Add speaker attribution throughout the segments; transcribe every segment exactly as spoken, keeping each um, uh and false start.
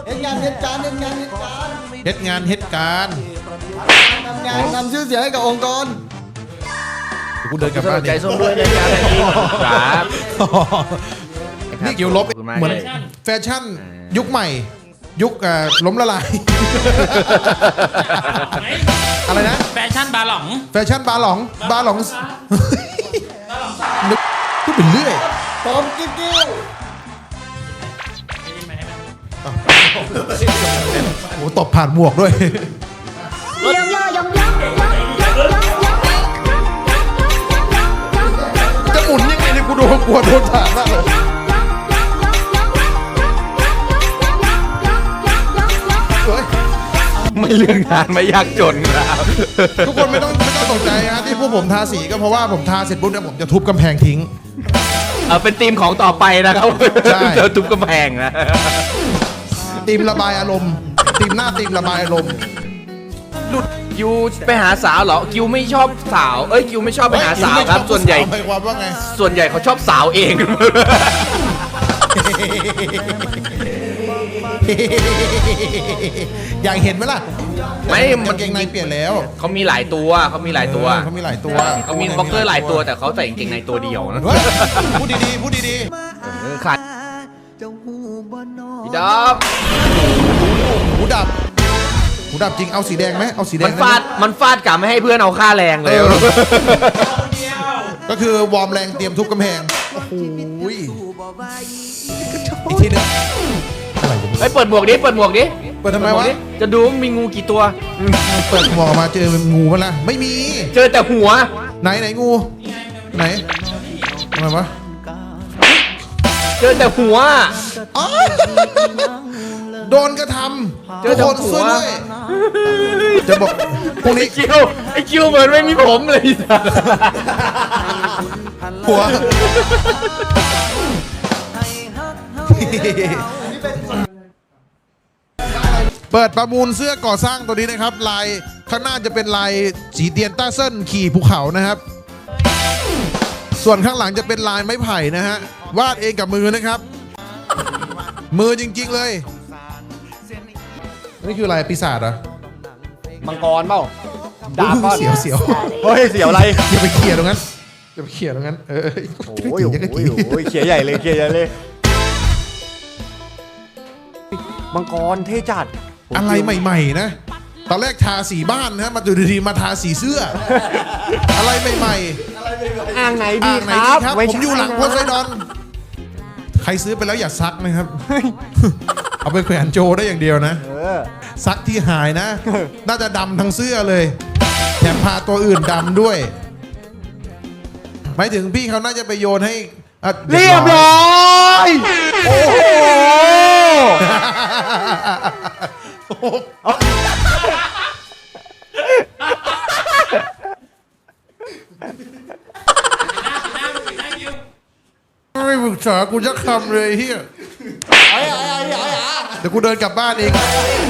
Speaker 1: ฮ็ดงานเฮ็ดการเฮ็ดงานเฮ็ดการ
Speaker 2: เฮ็ดงานเฮ็ดการ
Speaker 1: ทำงานทำชื่อเสียงให้กับองค์กร
Speaker 2: กูเดินกลับบ้าน
Speaker 3: ใจส้มด้วยนะจ๊ะครับ
Speaker 2: นี่เกี่ยวลบเหมือนแฟชั่นยุคใหม่ ยุคล้มละลายอะไรนะ
Speaker 4: แฟชั่นบาหลอง
Speaker 2: แฟชั่นบาหลองบาหลองนึกพูดเป็นเรื่อย
Speaker 1: พร้อมกิ๊บกิ้ว
Speaker 2: โอ้ตบผ่านหมวกด้วยจะหมุนยังไงเนี่ยกูโดนกลัวโดนผ่านมากเลย
Speaker 3: ไม่เรื่องงานไม่ยากจนครับ
Speaker 2: ทุกคนไม่ต้องไม่ต้องตกใจนะที่พวกผมทาสีก็เพราะว่าผมทาเสร็จปุ๊บเนี่ยผมจะทุบกำแพงทิ้ง
Speaker 3: เออเป็นธีมของต่อไปนะครับ
Speaker 2: ใช่
Speaker 3: เจอทุบกำแพงนะ
Speaker 2: ตีมระบายอารมณ์ตีมหน้าตีมระบายอารมณ์
Speaker 3: หลุดคิวไปหาสาวเหรอคิวไม่ชอบสาวเอ้ยคิวไม่ชอบไปหาสาวครับส่วนใหญ่
Speaker 2: หมายความว่าไง
Speaker 3: ส่วนใหญ่เขาชอบสาวเอง
Speaker 2: อยากเห็นไหมล่ะ
Speaker 3: ไม่
Speaker 2: กางเกงในเปลี่ยนแล้ว
Speaker 3: เขามีหลายตัวเขามีหลายตัว
Speaker 2: เออเขามีหลายตัว
Speaker 3: เขามีบ็อกเกอร์หลายตัวแต่เขาใส่กางเกงในตัวเดียวนะ
Speaker 2: เฮ้ยพูดดีๆพูดดี
Speaker 3: เออขาดพี่ดอบ
Speaker 2: ๆหูดับหูดับจริงเอาสีแดงไหมเอาสีแดง
Speaker 3: มันฟาดมันฟาดกะไม่ให้เพื่อนเอาค่าแรงเลย
Speaker 2: เออก็คือวอร์มแรงเตรียมทุบกำแพงโอ้โหอีกทีหนึงอะไรวะ
Speaker 3: เฮ้ยเปิดหมวกดิเปิดหมวกดิ
Speaker 2: เปิดทำไมวะ
Speaker 3: จะดูว่ามีงูกี่ตัว
Speaker 2: เปิดหมวกออกมาเจอเป็นงูมั้ยล่ะไม่มี
Speaker 3: เจอแต่หัว
Speaker 2: ไหนไหนงูไหนทำไมวะ
Speaker 3: เจอแต่หัว
Speaker 2: อ๋อโดนกระทำ
Speaker 3: เจอ
Speaker 2: ทุกคน
Speaker 3: แต่หัว
Speaker 2: ช่วยด้วยจะบอกพรุ่งนี้
Speaker 3: ไอคิวไอคิวเหมือนไม่มีผมเลย
Speaker 2: หัวเปิดประมูลเสื้อก่อสร้างตัวนี้นะครับลายข้างหน้าจะเป็นลายสีเตียนต้าเส้นขี่ภูเขานะครับ ส่วนข้างหลังจะเป็นลายไม้ไผ่นะฮะวาดเองกับมือนะครับ มือจริงๆเลยนี่คืออะไรปีศาจเหรอ
Speaker 3: มังกรเปล่าดาบ
Speaker 2: เสียวเสียว
Speaker 3: เฮ้ยเสียวอะไร
Speaker 2: อย่าไปเขี่ยตรงนั้นอย่าไปเขี่ยตรงนั้นเออ
Speaker 3: โอ้ยโอ้ยโอ้ยเขียใหญ่เลยเขียใหญ่เลยมังกรเท่จัด
Speaker 2: อะไรใหม่ๆนะตอนแรกทาสีบ้านนะมาดูดีๆมาทาสีเสื้อ อะไรใหม่ๆ
Speaker 3: อ่างไหนดี
Speaker 2: อ่างไหน
Speaker 3: ค
Speaker 2: ดี
Speaker 3: รับ
Speaker 2: ครับผมอยู่หลังโพไซดอนใครซื้อไปแล้วอย่าซักนะครับ เอาไปแขวนโจได้อย่างเดียวนะซักที่หายนะ น่าจะดำทั้งเสื้อเลยแถมพาตัวอื่นดำด้วยหมายถึงพี่เขาน่าจะไปโยนให้อ่ะ
Speaker 3: เรียบร้อยโอ้โห
Speaker 2: ไม่ปรึกษากูจะคำเลยเฮียเดี๋ยวกูเดินกลับบ้านเอง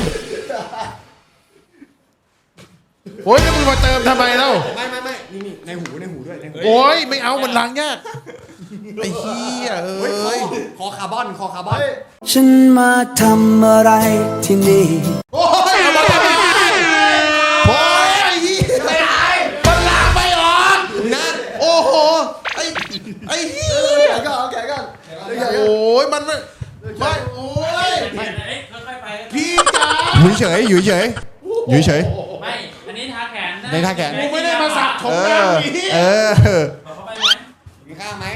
Speaker 2: โอ้ยจะมึงมาเติมทำไมเล่าไม่ไม่ไม่นี่นี่ในหูในหูด้วยโอ้ยไม่เอามันล้างยากไอ้เฮียเอ้ย
Speaker 1: คอคาร์บอนคอคาร์บอน
Speaker 5: ฉันมาทำอะไรที่นี่
Speaker 2: โอ้ยเอามาทำไมโอ้ยไอ้เฮียไม่หายมันล้างไม่ออกนะโอ้โหไอ้ไอ้เฮีย
Speaker 1: แขนก่อนแขนก่อน
Speaker 2: โอ้ยมันไม่ไม่โอ้ยพี่จ๋า
Speaker 6: อยู่เฉยอยู่เฉยอยู่เฉย
Speaker 4: ไม่ อันนี้ทาแขนนะ
Speaker 6: ในท่าแขน
Speaker 2: กูไม่ได้มาสักถง
Speaker 6: เอ
Speaker 2: น้ำ
Speaker 6: อ
Speaker 2: นี้
Speaker 6: เออ
Speaker 4: ขอเข้าไปไหม
Speaker 1: มีข้าวไหม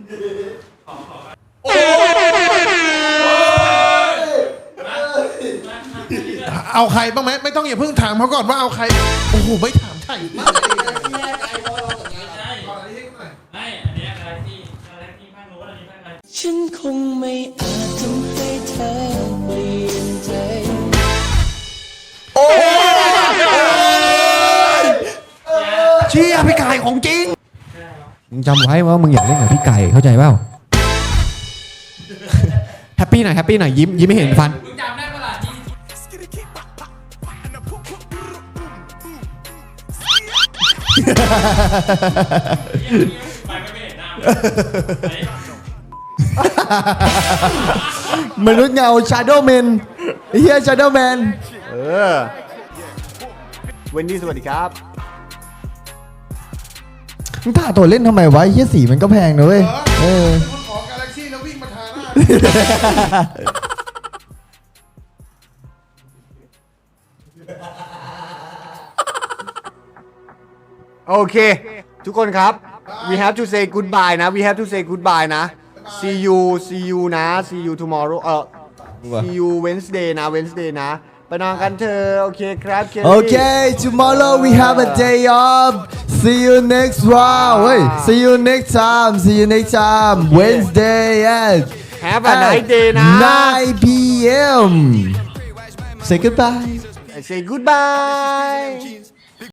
Speaker 2: เอาใครบ้างไหมไม่ต้องอย่าเพิ่งถามเขาก่อนว่าเอาใครโอ้โหไม่ถามใช่มาก
Speaker 4: ไม่อันนี้อะไรที่อะไรที่ภาคโน้นอันนี้ภาคอะไร
Speaker 5: ฉันคงไม่อาจทำให้เธอเปลี่ยนใจ
Speaker 6: เชี่ยพี่ไก่ของจริงมึงจำไว้ว่ามึงอยากเล่นกับพี่ไก่เข้าใจเปล่าแฮปปี้หน่อยแฮปปี้หน่อยยิ้มยิ้มไม่เห็นฟัน
Speaker 4: มึงจำได้ปะล่ะที่ไปไม่เห็นหน้าม
Speaker 1: นุษย์เงาชาโดว์เมน
Speaker 6: เฮียชาโดว์แมน
Speaker 1: เออเวนดี้สวัสดีครับ
Speaker 6: มึงทาตัวเล่นทำไมวะเฮียสีมันก็แพงนะเว้ยเออ
Speaker 2: คุณขอกาแล็กซี่แล้ววิ่งมาทาหน้า
Speaker 1: โอเค ทุกคนครับ we have to say goodbye นะ we have to say goodbye นะ see you see you นะ see you tomorrow เออ see you Wednesday นะ Wednesday นะ ไปนอนกันเถอะโอเคครับเคลลี่
Speaker 6: โอเค tomorrow we have a day off see you next one เฮ้ย see you next time see you next time Wednesday at
Speaker 1: have a nice day นะ
Speaker 6: nine p m say goodbye
Speaker 1: say goodbye